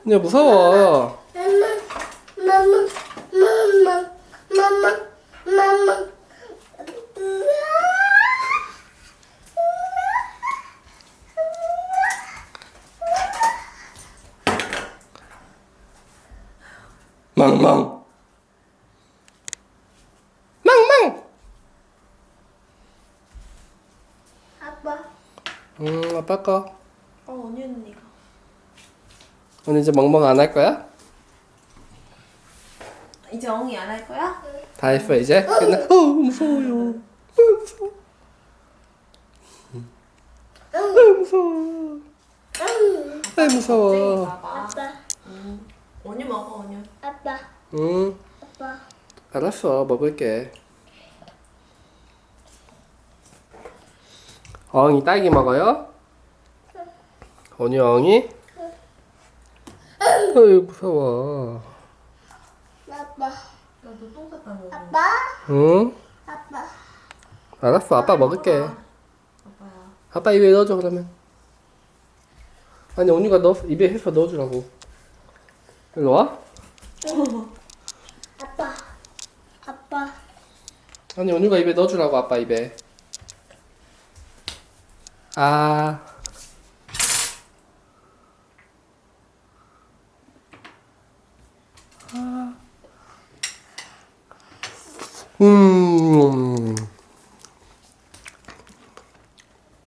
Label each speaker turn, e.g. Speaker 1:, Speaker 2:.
Speaker 1: 언니야 무서워. 망망 망망.
Speaker 2: 아빠.
Speaker 1: 아빠 거.
Speaker 2: 언니 언니가.
Speaker 1: 오늘 이제 멍멍 안 할 거야?
Speaker 2: 이제 엉이 안 할 거야?
Speaker 1: 다 했어 이제? 끝나? 무서워요. 무서워. 무서워. 무서워.
Speaker 2: 아빠. 언니 먹어 언니.
Speaker 3: 아빠.
Speaker 1: 응.
Speaker 3: 아빠.
Speaker 1: 알았어 먹을게. 엉이 딸기 먹어요? 언니 엉이? 어이 무서워.
Speaker 3: 아빠.
Speaker 2: 나도 똥 쌌다 너.
Speaker 3: 아빠.
Speaker 1: 응?
Speaker 3: 아빠.
Speaker 1: 알았어 아빠 먹을게.
Speaker 2: 아빠야.
Speaker 1: 아빠 입에 넣어줘 그러면. 아니 언니가 입에 해서 넣어주라고. 일로 와.
Speaker 3: 아빠. 아빠.
Speaker 1: 아니 언니가 입에 넣어주라고 아빠 입에. 아. 아.